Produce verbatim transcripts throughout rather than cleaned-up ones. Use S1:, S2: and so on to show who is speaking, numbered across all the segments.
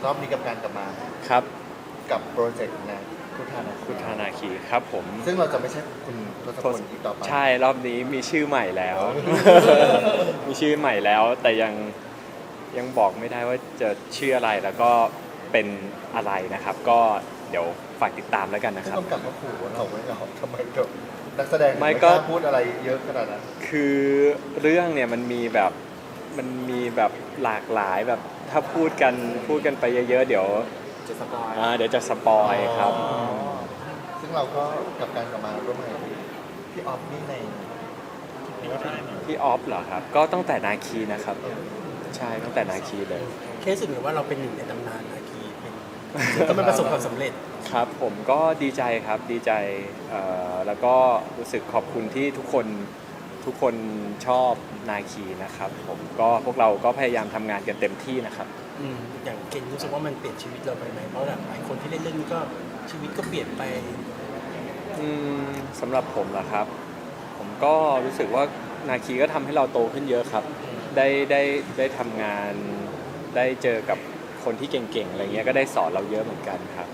S1: อบนี้กับการกลับมา
S2: ครับ
S1: กับโปรเจกต์นะคุทานา
S2: คุทานาคีครับผม
S1: ซึ่งเราจะไม่ใช่คุณทศพลอีกต่อไป
S2: ใช่รอบนี้มีชื่อใหม่แล้ว มีชื่อใหม่แล้วแต่ยังยังบอกไม่ได้ว่าจะชื่ออะไรแล้วก็เป็นอะไรนะครับ ก็เดี๋ยวฝากติดตามแล้วกันนะครับ
S1: ต้องกลับมาขู่เราไว้เหรอทำไมกับนักแสดง
S2: ไม่
S1: ไม่
S2: ก็
S1: กล้าพูดอะไรเยอะขนาดนั้น
S2: คือเรื่องเนี่ยมันมีแบบมันมีแบบหลากหลายแบบถ้าพูดกันพูดกันไปเยอะๆเดี๋ยว
S1: จะสปอย
S2: อ่าเดี๋ยวจะสปอยครับ
S1: ซึ่งเราก็กับการกลับมาร่วมงานกับพี่ออฟนี่ใน
S2: พี่ออฟเหรอครับก็ตั้งแต่นาคีนะครับใช่ตั้งแต่นาคีเลย
S3: เคสเหมือนว่าเราเป็นหนึ่งในตำนานนาคีเป็นก็มันประสบความสำเร็จ
S2: ครับผมก็ดีใจครับดีใจเอ่อแล้วก็รู้สึกขอบคุณที่ทุกคนทุกคนชอบนาคีนะครับผมก็พวกเราก็พยายามทำงานกันเต็มที่นะครับ
S3: อืมอย่างเกณฑ์รู้สึกว่ามันเปลี่ยนชีวิตเราไปไหมเพราะหลายคนที่เล่นเรื่องนี้ก็ชีวิตก็เปลี่ยนไป
S2: อืมสำหรับผมล่ะครับผมก็รู้สึกว่านาคีก็ทำให้เราโตขึ้นเยอะครับได้ได้ได้ทำงานได้เจอกับคนที่เก่งๆอะไรเงี้ยก็ได้สอนเราเยอะเหมือนกันครับ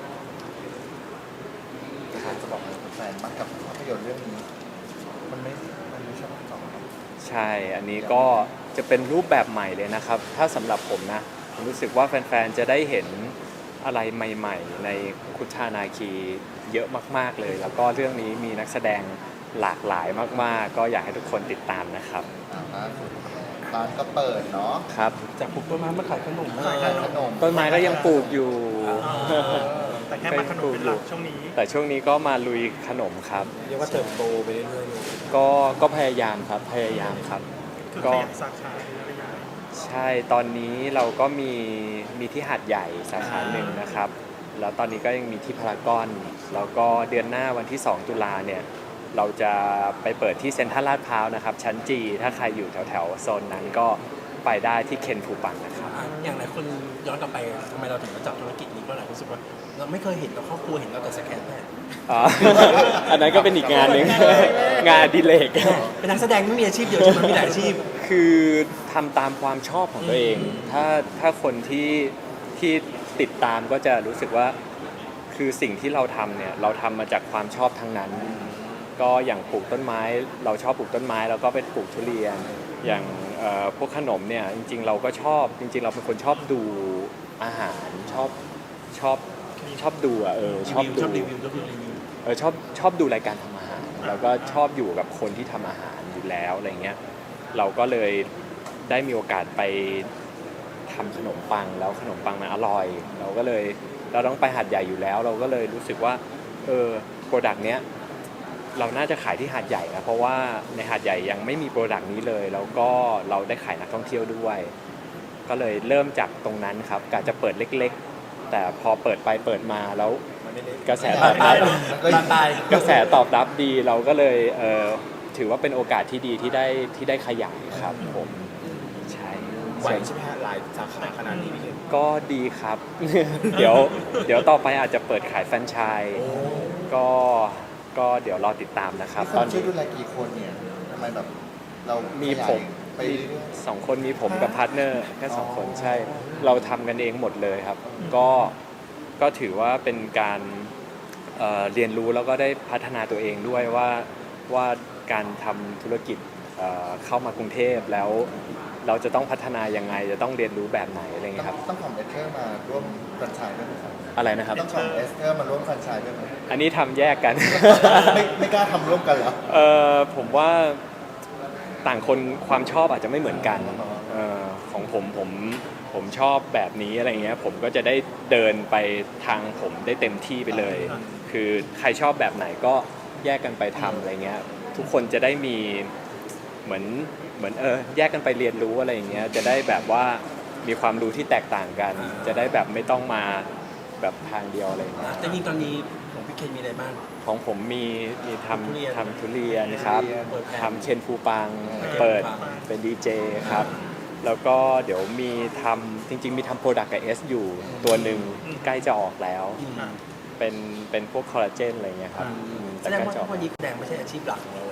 S1: จะบอกแฟนมากกับภาพยนตร์เรื่องนี้มันไม่มันไม่ใช่ภาคต่อ
S2: ใช่อันนี้ก็จะเป็นรูปแบบใหม่เลยนะครับถ้าสำหรับผมนะผมรู้สึกว่าแฟนๆจะได้เห็นอะไรใหม่ๆในคุทานาคีเยอะมากๆเลยแล้วก็เรื่องนี้มีนักแสดงหลากหลายมากๆก็อยากให้ทุกคนติดตามนะครับ
S1: ร้านก็เปิดเนาะ
S2: ครับ
S3: จากปลูกต้นไม้มาขายขนม
S1: ขายขนม
S2: ต้นไม้ก็ยังปลูกอยู่
S4: แต่แค่มาขนมเป็นหลักช่วงนี้
S2: แต่ช่วงนี้ก็มาลุยขนมครับ
S3: เรียกว่าเติบโตไปเรื่อย
S2: ๆก็ก็พยายามครับพยายามครับ
S4: ก็ขยายสาขาอะไรอย่างเงี้ย
S2: ใช่ตอนนี้เราก็มีมีที่หาดใหญ่สาขาหนึ่งนะครับแล้วตอนนี้ก็ยังมีที่พารากอนแล้วก็เดือนหน้าวันที่สองตุลาเนี่ยเราจะไปเปิดที่เซ็นทรัลลาดพร้าวนะครับชั้นจีถ้าใครอยู่แถวๆโซนนั้นก็ไปได้ที่เคนฟูปังนะครับ
S3: อย่างหลายคนย้อนกลับไปทำไมเราถึงมาจับธุรกิจนี้เพราะหลายคนรู้สึกว่าเราไม่เคยเห็นเราครอบครัวเห็นเราแต่สแกนแพท
S2: อ๋ออันนั้นก็เป็นอีกงานหนึ่งงานดิเลก
S3: เป็นนักแสดงไม่มีอาชีพเดียวใช่ไหมมีหลายอาชีพ
S2: คือทำตามความชอบของตัวเองถ้าถ้าคนที่ที่ติดตามก็จะรู้สึกว่าคือสิ่งที่เราทำเนี่ยเราทำมาจากความชอบทั้งนั้นก็อย่างปลูกต้นไม้เราชอบปลูกต้นไม้แล้วก็ไปปลูกทุเรียนอย่างพวกขนมเนี่ยจริงๆเราก็ชอบจริงๆเราเป็นคนชอบดูอาหารชอบชอบชอบดูอ่ะเออชอบดูเออชอบชอบดูรายการทำอาหารแล้วก็ชอบอยู่กับคนที่ทำอาหารอยู่แล้วอะไรเงี้ยเราก็เลยได้มีโอกาสไปทำขนมปังแล้วขนมปังมันอร่อยเราก็เลยเราต้องไปหาดใหญ่อยู่แล้วเราก็เลยรู้สึกว่าเออโปรดักต์เนี้ยเราน่าจะขายที่หาดใหญ่นะเพราะว่าในหาดใหญ่ยังไม่มีโปรดักต์นี้เลยแล้วก็เราได้ขายนักท่องเที่ยวด้วยก็เลยเริ่มจากตรงนั้นครับกะจะเปิดเล็กๆแต่พอเปิดไปเปิดมาแล้วกระแสตอบรับกระแสตอบรับดีเราก็เลยเออถือว่าเป็นโอกาสที่ดีที่ได้ที่ได้ขยายครับผมใช่
S3: ไหวใช่ไหมฮะหลายสาขาขนาดนี้
S2: ก็ดีครับ เดี๋ยวเดี๋ยวต่อไปอาจจะเปิดขายแฟรนไชส์ก็ก็เดี๋ยวรอติดตามนะครับ
S1: ตอนนี้ช่วยดูแลกี่คนเนี่ยทำไมแบบเรา
S2: มีผมมีสองคนมีผมกับพาร์ทเนอร์แค่สองคนใช่เราทำกันเองหมดเลยครับก็ก็ถือว่าเป็นการเอ่อเรียนรู้แล้วก็ได้พัฒนาตัวเองด้วยว่าว่าการทำธุรกิจเอ่อเข้ามากรุงเทพแล้วเราจะต้องพัฒนายังไงจะต้องเรียนรู้แบบไหนอะไรเงี้ยครับ
S1: ต้องของเอสเตอร์มาร่วมแฟรนไชส์ด้วยไหมครับ
S2: อะไรนะครับ
S1: ต้องของเอสเตอร์มาร่วมแฟรนไชส์ด้วยไหม
S2: อันนี้ทำแยกกัน
S1: ไม่ไม่กล้าทำร่วมกันเหรอ
S2: เออผมว่าต่างคนความชอบอาจจะไม่เหมือนกันเออของผมผมผมชอบแบบนี้อะไรเงี้ยผมก็จะได้เดินไปทางผมได้เต็มที่ไปเลยคือใครชอบแบบไหนก็แยกกันไปทำอะไรเงี้ยทุกคนจะได้มีเหมือนเหมือนเออแยกกันไปเรียนรู้อะไรอย่างเงี้ยจะได้แบบว่ามีความรู้ที่แตกต่างกันจะได้แบบไม่ต้องมาแบบทางเดียวอะไรอย่างเงี้ย
S3: แต่นี่ตอนนี้ของพี่เคนมีอะไรบ้าง
S2: ของผมมีมีทำทำทุเรียนครับทำเคนฟูปังเปิดเป็นดีเจครับแล้วก็เดี๋ยวมีทำจริงๆมีทำโปรดักต์กับเอสอยู่ตัวหนึ่งใกล้จะออกแล้วเป็นเป็นพวกคอลลาเจนอะไรเงี้ยครับ
S3: แสดงว่าวันนี้แสดงไม่ใช่อาชีพหลักของเรา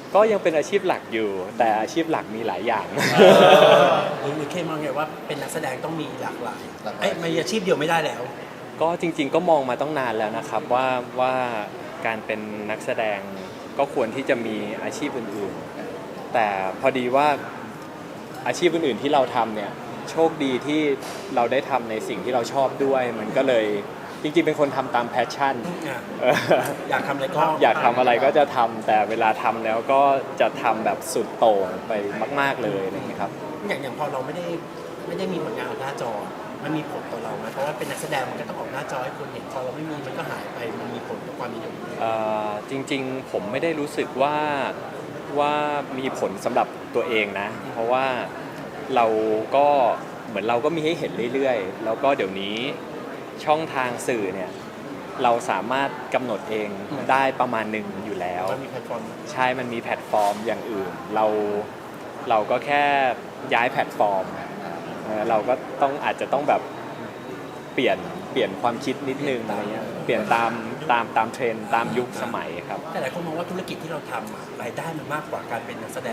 S2: ก็ยังเป็นอาชีพหลักอยู่ แต่อาชีพหลักมีหลายอย่าง
S3: หรือหรือเคมองไงว่าเป็นนักแสดงต้องมีหลากหลาย
S1: หลากหลาย
S3: เอ้ยมีอาชีพเดียวไม่ได้แล้ว
S2: ก็จริงๆก็มองมาต้องนานแล้วนะครับว่าว่าการเป็นนักแสดงก็ควรที่จะมีอาชีพอื่นๆ แต่พอดีว่าอาชีพอื่นๆที่เราทำเนี่ยโชคดีที่เราได้ทำในสิ่งที่เราชอบด้วย มันก็เลยจริงๆเป็นคนทำตามแพชชั่น
S3: อ่ะ
S2: เออ
S3: อยากทำอะไรก็
S2: อยากทำอะไรก็จะทำแต่เวลาทำแล้วก็จะทำแบบสุดโต่งไปมากๆเลยอะไรอย่างเงี้ยครับ
S3: อย่างอย่างพอเราไม่ได้ไม่ได้มีผลงานออกหน้าจอ มันมีผลต่อเราไหมเพราะว่าเป็นนักแสดงมันก็ต้องออกหน้าจอให้คนเห็นพอเราไม่มีมันก็หายไปมันมีผลต่อความนิยม
S2: เอ่อจริงๆผมไม่ได้รู้สึกว่าว่ามีผลสำหรับตัวเองนะ เพราะว่าเราก็เหมือนเราก็มีให้เห็นเรื่อยๆ แล้วก็เดี๋ยวนี้ช่องทางสื่อเนี่ยเราสามารถกำหนดเองได้ประมาณหนึ่งอยู่แล้ว
S3: มันมีแพลตฟอร์ม
S2: ใช่มันมีแพลตฟอร์มอย่างอื่น เราเราก็แค่ย้ายแพลตฟอร์มเอ่อเราก็ต้องอาจจะต้องแบบเปลี่ยนเปลี่ยนความคิดนิดนึงอะไรเงี้ยเปลี่ยนตามตามตามเทรนด์ตามยุคสมัยครับ
S3: แต่หลายคนมองว่าธุรกิจที่เราทำอะรายได้มันมากกว่าการเป็นนักแสดง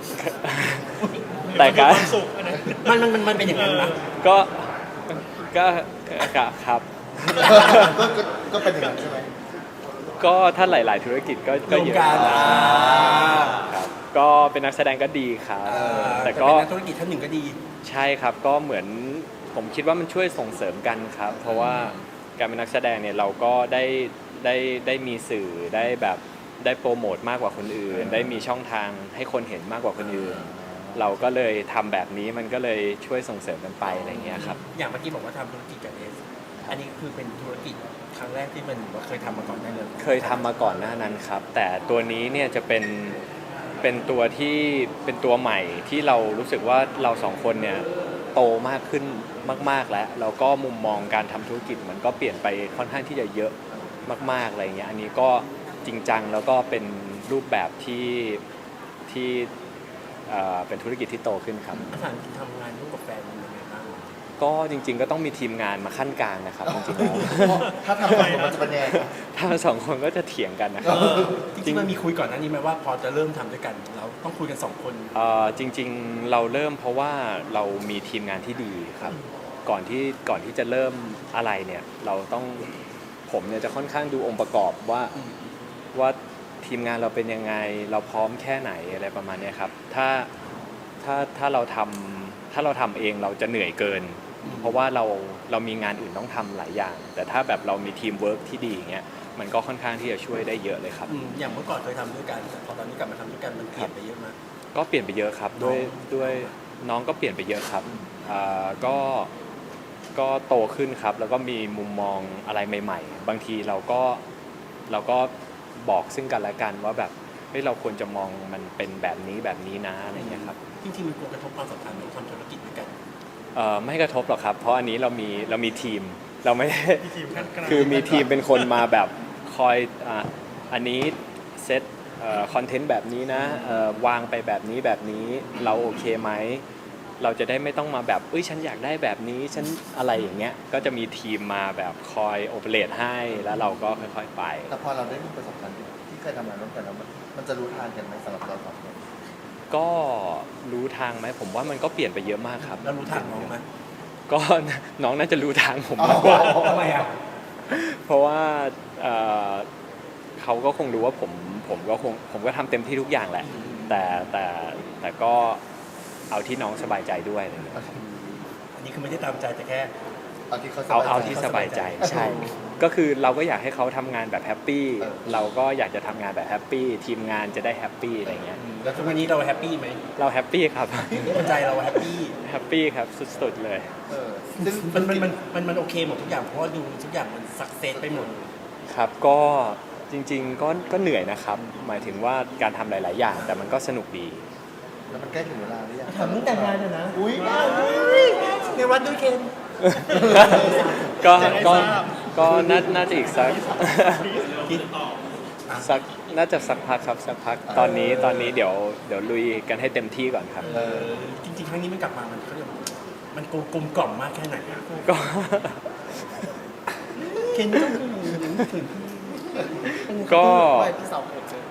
S2: แต่ก็
S4: ความสุขอันนั้น
S3: มันมันมันมันเป็นอย่างนั้นนะ
S2: ก็ก็ก็ครับ
S1: ก็ก็ก็เป็นอย่างนั้นใช่ไหม
S2: ก็ถ้าหลาย ๆ ธุรกิจก็ก็
S3: รวม
S2: เยอะ
S3: กัน
S2: ครับก็เป็นนักแสดงก็ดีครับ
S3: เออ
S2: แต่ก็
S3: เป็นนักธุรกิจท่านหนึ่งก็ดี
S2: ใช่ครับก็เหมือนผมคิดว่ามันช่วยส่งเสริมกันครับ เพราะว่าการเป็นนักแสดงเนี่ยเราก็ได้ได้ได้มีสื่อได้แบบได้โปรโมทมากกว่าคนอื่น ได้มีช่องทางให้คนเห็นมากกว่าคนอื่น เราก็เลยทำแบบนี้มันก็เลยช่วยส่งเสริมกันไปอะไรอย่างเงี้ยครับ
S3: อย่างเมื่อกี้บอกว่าทำธุรกิจกับเอส อันนี้คือเป็นธุรกิจครั้งแรกที่มันว่าเคยทำมาก่อนได้เลย
S2: เคยทำมาก่อนหน้านั้นครับ แต่ตัวนี้เนี่ยจะเป็นเป็นตัวที่เป็นตัวใหม่ที่เรารู้สึกว่าเราสองคนเนี่ยโตมากขึ้นมากๆแล้วแล้วก็มุมมองการทำธุรกิจมันก็เปลี่ยนไปค่อนข้างที่จะเยอะมากๆอะไรเงี้ยอันนี้ก็จริงจังแล้วก็เป็นรูปแบบที่ที่เอ่อเป็นธุรกิจที่โตขึ้นครับ
S3: อาหารทำงานร่วมกับแฟนมันยังไงบ้าง
S2: ก็จริง ๆ ก็ต้องมีทีมงานมาขั้นกลางนะครับจริงๆแล้ว
S1: ถ้าทำไปมันจะเป็นยังไงครับ
S2: ถ้าสองคนก็จะเถียงกันนะครับ
S3: จริงๆมันมีคุยก่อนหน้านี้ไหมว่าพอจะเริ่มทำด้วยกัน เราต้องคุยกันสองคน
S2: เอ่อจริงๆเราเริ่มเพราะว่าเรามีทีมงานที่ดีครับก่อนที่ก่อนที่จะเริ่มอะไรเนี่ยเราต้องผมเนี่ยจะค่อนข้างดูองค์ประกอบว่าว่าทีมงานเราเป็นยังไงเราพร้อมแค่ไหนอะไรประมาณเนี้ยครับถ้าถ้าถ้าเราทำถ้าเราทำเองเราจะเหนื่อยเกิน เพราะว่าเราเรามีงานอื่นต้องทำหลายอย่าง แต่ถ้าแบบเรามีทีมเวิร์กที่ดีอย่างเงี้ยมันก็ค่อนข้างที่จะช่วยได้เยอะเลยครับ
S3: อืมอย่างเมื่อก่อนเคยทำด้วยกันแต่พอตอนนี้กลับมาทำด้วยกันมันเปลี่ยนไปเยอะมาก
S2: ก็เปลี่ยนไปเยอะครับด้วยด้วยน้องก็เปลี่ยนไปเยอะครับอ่าก็ก็โตขึ้นครับ แล้วก็มีมุมมองอะไรใหม่ ๆ บางทีเราก็เราก็บอกซึ่งกันและกันว่าแบบเฮ้ยเราควรจะมองมันเป็นแบบนี้แบบนี้นะอะไรอย่างเงี้ยครับ
S3: จริงๆมันกลัวกระทบความสัมพันธ์ของทำธุรกิจด้วยกัน
S2: เอ่อไม่กระทบหรอกครับ เพราะอันนี้เรามีเรามีทีมเราไม่ได้
S4: มีทีมขั้นกลาง
S2: คือมีทีมเป็นคนมาแบบคอยอ่ะอันนี้เซตคอนเทนต์แบบนี้นะเอ่อวางไปแบบนี้แบบนี้เราโอเคไหมเราจะได้ไม่ต้องมาแบบเอ้ยฉันอยากได้แบบนี้ฉันอะไรอย่างเงี้ยก็จะมีทีมมาแบบคอยโอเปเรตให้แล้วเราก็ค่อยๆไป
S1: แต่พอเราได้มีประสบการณ์ที่เคยทำงานร่วมกันแล้วมันมันจะรู้ทางกันไหมสำหรับเราสองคน
S2: ก็รู้ทางไหมผมว่ามันก็เปลี่ยนไปเยอะมากครับ
S3: แล้วรู้ทางน้องไหม
S2: ก็ น้องน่าจะรู้ทางผมมากกว่า
S3: ทำไมอ่ะ
S2: เพราะว่าเอ่อเขาก็คงรู้ว่าผมผมก็คงผมก็ทำเต็มที่ทุกอย่างแหละ แต่แต่แต่ก็เอาที่น้องสบายใจด้วยอะไรเงี้ย
S3: อันนี้คือไม่ได้ตามใจแต่แค่
S1: เอาที่เขาส
S2: เอา
S1: บาย
S2: เอา
S1: ใจ
S2: ที่สบายใจใช่ ก็คือเราก็อยากให้เขาทำงานแบบแฮปปี้
S1: เออ
S2: เราก็อยากจะทำงานแบบแฮปปี้ทีมงานจะได้แฮปปี้อะไรเงี้ย
S3: แล้วทุกวันนี้เราแฮปปี้ไหม
S2: เราแฮปปี้ครับ
S3: ใจเราแฮปปี้
S2: แฮปปี้ครับสุดๆเลย
S1: เออซึ่ง
S3: มันมันมันมันมันโอเคหมดทุกอย่างเพราะว่าดูทุกอย่างมันสักเซสไปหมด
S2: ครับก็จริงๆก็ก็เหนื่อยนะครับ หมายถึงว่าการทำหลาย ๆ อย่าง แต่มันก็สนุกดี
S1: แล้วมันใกล้ถึงเวลาหรือยัง
S3: ถามเรื่องแต่งงานเลยนะ
S1: อุ้ย
S3: ในวัดด้วยเคน
S2: ก็ก็ก็น่าน่าจะอีกสัก
S3: คิด
S2: สักน่าจะสักพักครับสักพักตอนนี้ตอนนี้เดี๋ยวเดี๋ยวลุยกันให้เต็มที่ก่อนครับ
S3: เออจริงๆครั้งนี้มันกลับมามันเขาเรียกว่ามันกลมกลมกล่อมมากแค่ไหนอะ
S2: ก็
S3: เคนต้องถึงถึง
S2: ก็
S1: ไม่พี่สาวผมเจอ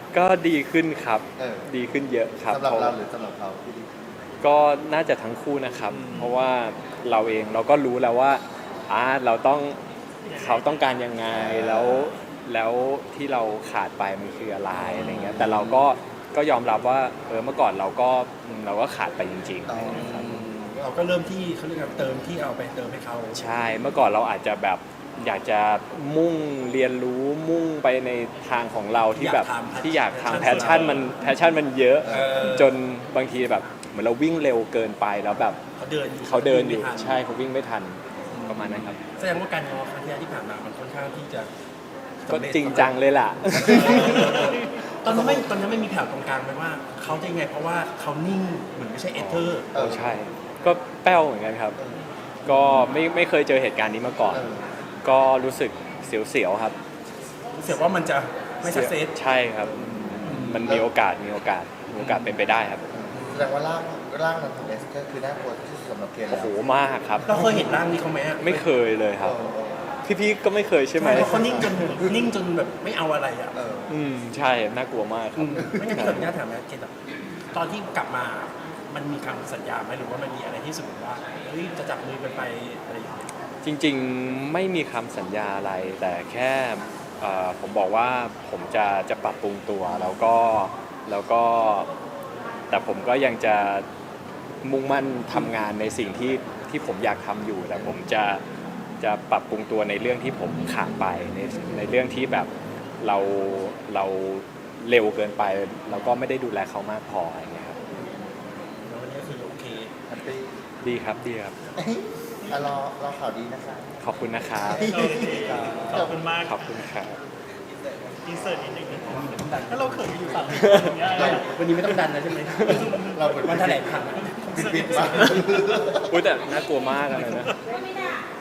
S2: ก็ดีขึ้นครับ
S1: เออ
S2: ดีขึ้นเยอะครับ
S1: สำหรับ
S2: เพราะ
S1: เราหรือสำหรับเขาที่ดี
S2: ก็น่าจะทั้งคู่นะครับ เพราะว่าเราเองเราก็รู้แล้วว่าอ่าเราต้องเขาต้องการยังไงแล้วแล้วที่เราขาดไปมันคืออะไรอะไรเงี้ยแต่เราก็ก็ยอมรับว่าเออเมื่อก่อนเราก็เราก็ขาดไปจริง
S1: อ๋อ
S2: ๆนะครับ
S3: เราก็เริ่มที่เขาเรียกว่าเติมที่เอาไปเติมให้เขา
S2: ใช่เมื่อก่อนเราอาจจะแบบอยากจะมุ่งเรียนรู้มุ่งไปในทางของเราที่แบบที่อยากทำแพชชั่นมันแพชชั่นมันเยอะ
S3: เออ
S2: จนบางทีแบบเหมือนเราวิ่งเร็วเกินไปแล้วแบบ
S3: เขาเดินอยู่
S2: เขาเดินอยู่
S3: ไม่ทัน
S2: ใช่เขาวิ่งไม่ทันประมาณนั้นครับ
S3: แสดงว่าการง้อครั้งที่แล้วที่ผ่านมามันค่อนข้างที่จะ
S2: ก็จริงจังเลยล่ะ
S3: ตอนนั้นไม่ตอนนั้นไม่มีแผ่วตรงกลางไหมว่าเขาจะยังไงเพราะว่าเขานิ่งเหมือนไม่ใช่เอเธอร์
S1: เออ
S2: ใช่ ก็แป้วเหมือนกันครับ ก็ไม่ไม่เคยเจอเหตุการณ์นี้มาก่อน
S1: เออ
S2: ก็รู้สึกเสียวๆครับ
S3: รู้สึกว่ามันจะไม่สักเซส
S2: ใช่ครับ มันมีโอกาสมีโอกาสมีโอกาสเป็นไปได้ครับ
S1: แสดงว่าร่างร่างนั้นของเอสก็คือน่ากลัวที่สุดสำหรับเคน
S2: โอ้
S1: แล้ว
S2: โหมากครับ
S3: เราเคยเห็นร่างนี้เขาไหมอะ
S2: ไม่เคยเลยครับ
S1: เออ
S2: พี่ๆก็ไม่เคยใช่ไหม
S3: เพราะเขานิ่งจนนิ่งจนแบบไม่เอาอะไรอ่ะ
S1: เออ
S2: อืมใช่น่ากลัวมากครับ
S3: ไม่งั้นพี่ขออนุญาตถามนะเกตอะตอนที่กลับมามันมีคำสัญญาไหมหรือว่ามันมีอะไรที่รู้สึกว่าเฮ้ยจะจับมือกันไปอะไรอย่างเงี้ย
S2: จริงๆไม่มีคำสัญญาอะไร แต่แค่เอ่อผมบอกว่าผมจะจะปรับปรุงตัวแล้วก็แล้วก็ แต่ผมก็ยังจะมุ่งมั่นทำงานในสิ่งที่ที่ผมอยากทำอยู่ แต่ผมจะจะปรับปรุงตัวในเรื่องที่ผมขาดไปในในเรื่องที่แบบเราเราเร็วเกินไป แล้วก็ไม่ได้ดูแลเขามากพออะไรเงี้ยครับ
S3: แล้ววันนี้คือโอเค
S1: แฮปปี้
S2: ดีครับดีครับ
S1: เอ้ยอ่ะรอรอข่าวดีนะคะ
S2: ขอบคุณนะครับ
S4: โอเคขอบคุณมาก
S2: ขอบคุณครับ
S4: อินเสิร์ตนิดนึงถ้าเราเขินอยู่ฝั่งอย่างเงี้ย
S3: เราวันนี้ไม่ต้องดันแล้วใช่ไหม
S1: เราเหมือน
S3: วันแถลงข่าว
S1: ปิดปิดมา
S2: อุ้ยแต่น่ากลัวมากเลยนะ